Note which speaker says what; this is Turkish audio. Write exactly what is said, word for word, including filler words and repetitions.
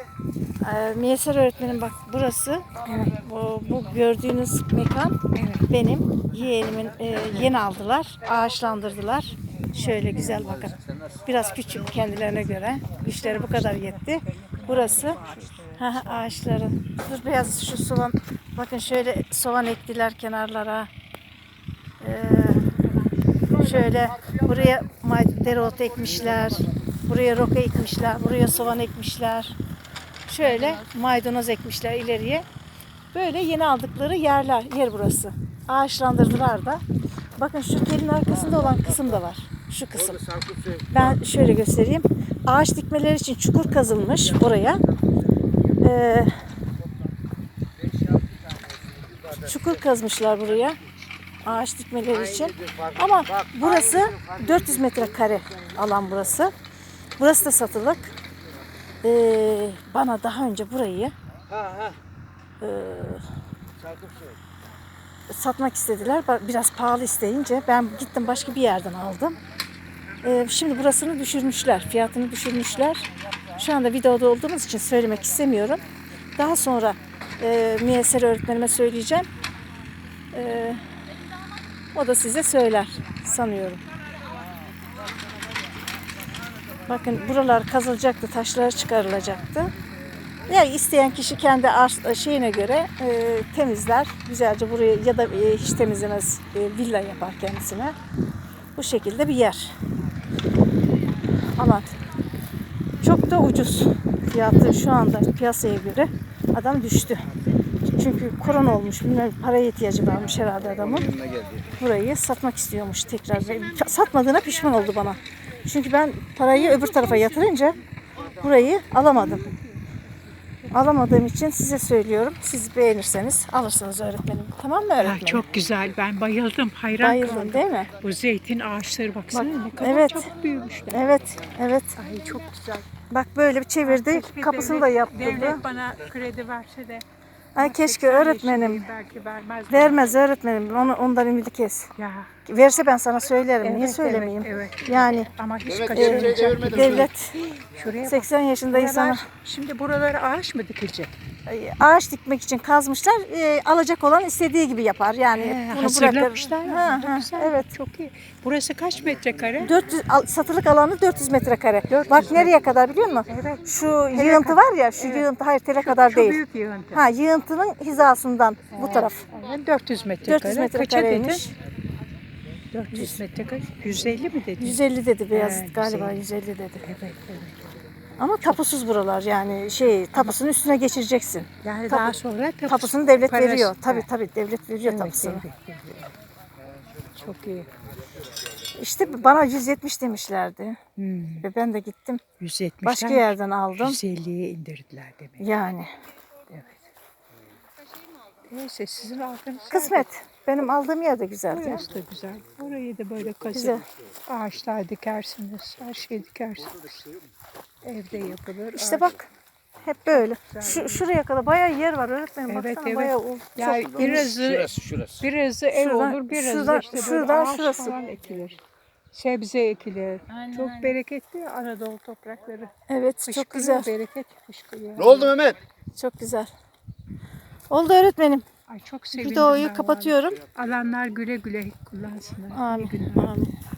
Speaker 1: Ee, Miyeser öğretmenim bak burası.
Speaker 2: Evet.
Speaker 1: Bu, bu gördüğünüz mekan
Speaker 2: Evet.
Speaker 1: benim yeğenimin e, yeni aldılar. Ağaçlandırdılar. Şöyle güzel bakın. Biraz küçük kendilerine göre. Güçleri bu kadar yetti. Burası ha, ağaçların. Dur biraz şu soğan. Bakın şöyle soğan ektiler kenarlara. Ee, şöyle buraya may- dereotu ekmişler. Buraya roka ekmişler. Buraya soğan ekmişler. Şöyle maydanoz ekmişler ileriye. Böyle yeni aldıkları yerler, yer burası. Ağaçlandırdılar da. Bakın şu telin arkasında olan kısım da var. Şu kısım. Ben şöyle göstereyim. Ağaç dikmeleri için çukur kazılmış oraya. Ee, çukur kazmışlar buraya. Ağaç dikmeleri için. Ama burası dört yüz metrekare alan burası. Burası da satılık. Ee, bana daha önce burayı e, satmak istediler. Biraz pahalı isteyince ben gittim başka bir yerden aldım. Ee, şimdi burasını düşürmüşler. Fiyatını düşürmüşler. Şu anda videoda olduğumuz için söylemek istemiyorum. Daha sonra e, Miyeser öğretmenime söyleyeceğim. E, o da size söyler sanıyorum. Bakın buralar kazılacaktı, taşlar çıkarılacaktı. Yani isteyen kişi kendi şeyine göre e, temizler. Güzelce burayı ya da e, hiç temizlemez e, villa yapar kendisine. Bu şekilde bir yer. Ama çok da ucuz. Fiyatı şu anda piyasaya göre adam düştü. Çünkü korona olmuş, bilmem paraya ihtiyacı varmış herhalde adamın. Burayı satmak istiyormuş tekrar. Satmadığına pişman oldu bana. Çünkü ben parayı öbür tarafa yatırınca burayı alamadım. Alamadığım için size söylüyorum. Siz beğenirseniz alırsınız öğretmenim. Tamam mı öğretmenim?
Speaker 2: Ha, çok güzel. Ben bayıldım. Hayran
Speaker 1: Bayıldın
Speaker 2: kaldım.
Speaker 1: değil mi?
Speaker 2: Bu zeytin ağaçları baksana
Speaker 1: Bak,
Speaker 2: ne kadar
Speaker 1: evet.
Speaker 2: çok büyümüşler.
Speaker 1: Evet, evet.
Speaker 2: Ay çok güzel.
Speaker 1: Bak böyle bir çevirdi.
Speaker 2: Keşke
Speaker 1: Kapısını
Speaker 2: devlet-
Speaker 1: da yaptırdı.
Speaker 2: Devlet bana kredi verse de.
Speaker 1: Ay keşke
Speaker 2: seksen
Speaker 1: öğretmenim.
Speaker 2: yaşındayım, belki vermez.
Speaker 1: Vermez öğretmenim. Onu, ondan ümidi kes.
Speaker 2: Ya.
Speaker 1: Verse ben sana söylerim. Niye
Speaker 2: Evet,
Speaker 1: söylemeyeyim?
Speaker 2: evet, evet.
Speaker 1: Yani
Speaker 2: Ama hiç
Speaker 1: e,
Speaker 2: kaçırmayacağım.
Speaker 1: devlet
Speaker 2: Şuraya bak.
Speaker 1: seksen yaşında insana
Speaker 2: Buralar, şimdi buralara ağaç mı dikilecek?
Speaker 1: ağaç dikmek için kazmışlar. E, alacak olan istediği gibi yapar. Yani
Speaker 2: He,
Speaker 1: bunu
Speaker 2: hazırlamışlar.
Speaker 1: bırakır. Ha,
Speaker 2: Ne
Speaker 1: ha,
Speaker 2: güzel,
Speaker 1: evet.
Speaker 2: Çok iyi. Burası kaç metrekare?
Speaker 1: dört yüz al- satılık alanı dört yüz metrekare.
Speaker 2: dört yüz
Speaker 1: Bak nereye kadar biliyor musun?
Speaker 2: Evet.
Speaker 1: Şu yığıntı var ya, şu yığıntı hayır tele kadar
Speaker 2: Şu
Speaker 1: değil.
Speaker 2: büyük yığıntı.
Speaker 1: Ha yığıntının hizasından bu taraf.
Speaker 2: Evet, dört yüz metrekare.
Speaker 1: dört yüz metrekareymiş.
Speaker 2: dört yüz metrekare. yüz elli mi dedin?
Speaker 1: yüz elli dedi beyaz
Speaker 2: He,
Speaker 1: galiba
Speaker 2: yüz
Speaker 1: yüz elli dedi.
Speaker 2: Evet, evet.
Speaker 1: Ama tapusuz buralar yani şey tapusunun üstüne geçireceksin.
Speaker 2: Yani
Speaker 1: Tapu-
Speaker 2: daha sonra tapusu-
Speaker 1: Tapusunu devlet
Speaker 2: parası-
Speaker 1: veriyor. Tabii
Speaker 2: Evet,
Speaker 1: tabii devlet veriyor
Speaker 2: evet,
Speaker 1: tapusunu.
Speaker 2: evet, evet. Çok iyi.
Speaker 1: İşte bana yüz yetmiş demişlerdi.
Speaker 2: Hmm.
Speaker 1: Ve ben de gittim.
Speaker 2: yüz yetmişten
Speaker 1: Başka yerden aldım.
Speaker 2: yüz elliye indirdiler demek.
Speaker 1: Yani
Speaker 2: Neyse sizin altınız.
Speaker 1: kısmet. Benim aldığım yer de güzeldi.
Speaker 2: Burası da güzel. Orayı da böyle
Speaker 1: Güzel.
Speaker 2: kazıp ağaçlar dikersiniz. Her şey dikersiniz. Evde yapılır.
Speaker 1: İşte
Speaker 2: ağaç-
Speaker 1: bak hep böyle. Şu, şuraya kadar bayağı yer var öğretmenim.
Speaker 2: Evet,
Speaker 1: Baksana
Speaker 2: evet.
Speaker 1: bayağı o-
Speaker 2: Ya
Speaker 1: çok-
Speaker 2: birazı,
Speaker 3: Şurası şurası.
Speaker 2: birazı ev
Speaker 1: Şuradan-
Speaker 2: olur, birazı
Speaker 1: şuradan-
Speaker 2: işte böyle
Speaker 1: şuradan
Speaker 2: ağaç
Speaker 1: şurası.
Speaker 2: falan ekilir. Sebze ekilir.
Speaker 4: Aynen,
Speaker 2: Çok
Speaker 4: aynen.
Speaker 2: bereketli ya Anadolu toprakları.
Speaker 1: Evet çok
Speaker 2: Fışkırıyor,
Speaker 1: güzel.
Speaker 2: bereket fışkırıyor.
Speaker 3: Ne oldu Mehmet?
Speaker 1: Çok güzel. Oldu öğretmenim.
Speaker 2: Ay çok sevindim
Speaker 1: Videoyu
Speaker 2: ben
Speaker 1: kapatıyorum.
Speaker 2: vallahi. Alanlar güle güle kullansınlar. İyi
Speaker 1: Amin.
Speaker 2: günler.
Speaker 1: Amin.